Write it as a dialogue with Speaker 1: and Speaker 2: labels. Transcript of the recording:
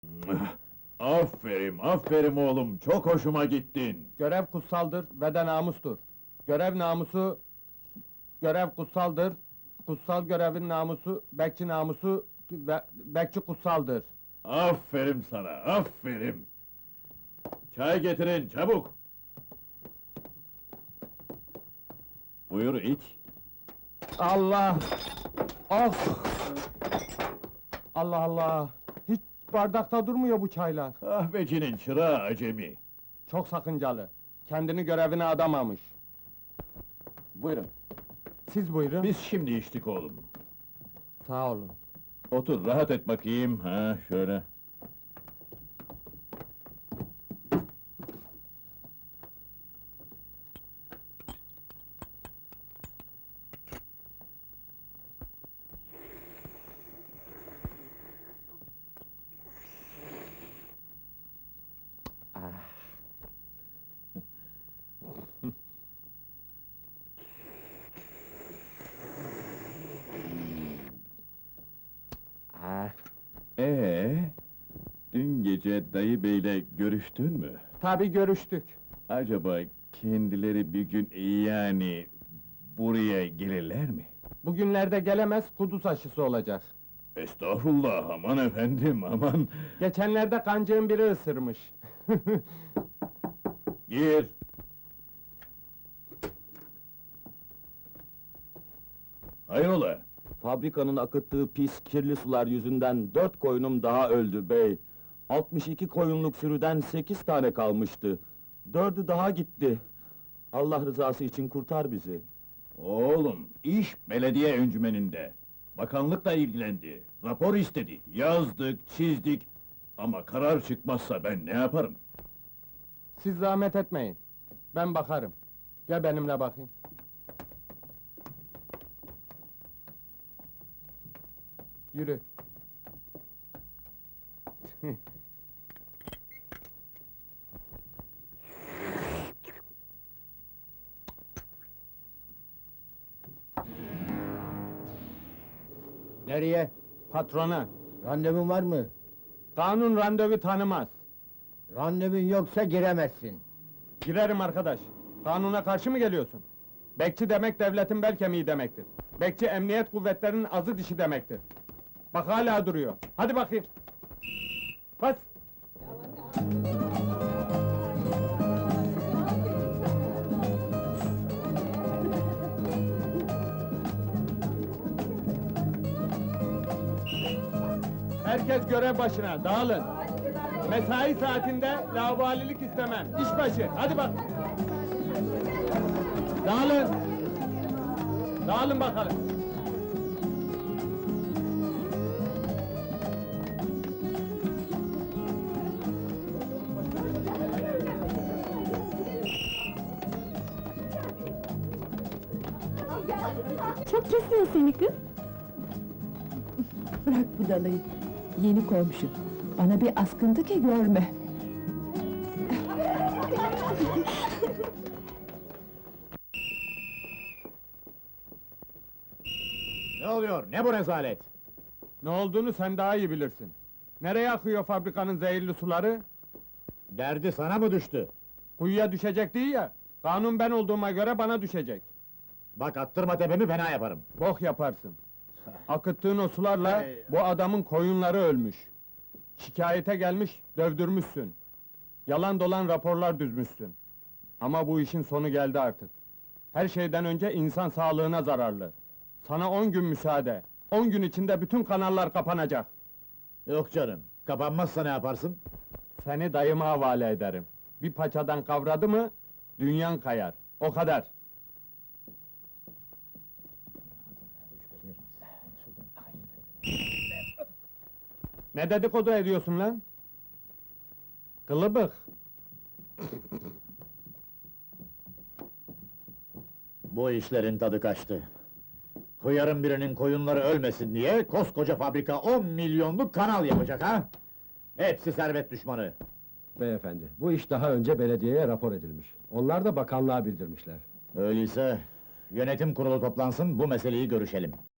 Speaker 1: Aferin, aferin oğlum, çok hoşuma gittin.
Speaker 2: Görev kutsaldır ve de namustur. Görev namusu, görev kutsaldır. Kutsal görevin namusu, bekçi namusu ve bekçi kutsaldır.
Speaker 1: Aferin sana, aferin. Çay getirin, çabuk. Buyur iç.
Speaker 2: Allah! Of! Allah Allah! Hiç bardakta durmuyor bu çaylar.
Speaker 1: Kahvecinin çırağı acemi.
Speaker 2: Çok sakıncalı. Kendini görevine adamamış.
Speaker 3: Buyurun.
Speaker 2: Siz buyurun.
Speaker 1: Biz şimdi içtik oğlum.
Speaker 2: Sağ olun.
Speaker 1: Otur, rahat et bakayım, ha şöyle. Dün gece dayı beyle görüştün mü?
Speaker 2: Tabii görüştük.
Speaker 1: Acaba kendileri bir gün yani buraya gelirler mi?
Speaker 2: Bugünlerde gelemez, kuduz aşısı olacak.
Speaker 1: Estağfurullah, aman efendim, aman!
Speaker 2: Geçenlerde kancığın biri ısırmış.
Speaker 1: Gir! Hayrola?
Speaker 3: Fabrikanın akıttığı pis, kirli sular yüzünden 4 koyunum daha öldü bey. 62 koyunluk sürüden 8 tane kalmıştı. 4'ü daha gitti. Allah rızası için kurtar bizi.
Speaker 1: Oğlum, iş belediye encümeninde. Bakanlık da ilgilendi. Rapor istedi. Yazdık, çizdik. Ama karar çıkmazsa ben ne yaparım?
Speaker 2: Siz zahmet etmeyin. Ben bakarım. Gel benimle bakayım. Yürü.
Speaker 4: Nereye?
Speaker 2: Patrona.
Speaker 4: Randevun var mı?
Speaker 2: Kanun randevu tanımaz.
Speaker 4: Randevun yoksa giremezsin.
Speaker 2: Girerim arkadaş. Kanuna karşı mı geliyorsun? Bekçi demek devletin bel kemiği demektir. Bekçi emniyet kuvvetlerinin azı dişi demektir. Bak hala duruyor. Hadi bakayım. Bas. Herkes görev başına, dağılın. Mesai saatinde laubalilik istemem. İş başı, hadi bak. Dağılın. Dağılın bakalım.
Speaker 5: Çok kesiyor seni kız. Bırak budalayı. Yeni komşu. Bana bir askıntı ki görme.
Speaker 4: Ne oluyor? Ne bu rezalet?
Speaker 2: Ne olduğunu sen daha iyi bilirsin. Nereye akıyor fabrikanın zehirli suları?
Speaker 4: Derdi sana mı düştü?
Speaker 2: Kuyuya düşecek değil ya. Kanun ben olduğuma göre bana düşecek.
Speaker 4: Bak attırma tepemi fena yaparım.
Speaker 2: Bok yaparsın. Akıttığın o sularla bu adamın koyunları ölmüş. Şikayete gelmiş, dövdürmüşsün. Yalan dolan raporlar düzmüşsün. Ama bu işin sonu geldi artık. Her şeyden önce insan sağlığına zararlı. Sana 10 gün müsaade. 10 gün içinde bütün kanallar kapanacak.
Speaker 4: Yok canım. Kapanmazsa ne yaparsın?
Speaker 2: Seni dayıma havale ederim. Bir paçadan kavradı mı, dünyan kayar. O kadar. Ne dedikodu ediyorsun lan? Kılıbık!
Speaker 4: Bu işlerin tadı kaçtı. Hıyarın birinin koyunları ölmesin diye koskoca fabrika 10 milyonluk kanal yapacak ha? Hepsi servet düşmanı.
Speaker 6: Beyefendi, bu iş daha önce belediyeye rapor edilmiş. Onlar da bakanlığa bildirmişler.
Speaker 4: Öyleyse yönetim kurulu toplansın, bu meseleyi görüşelim.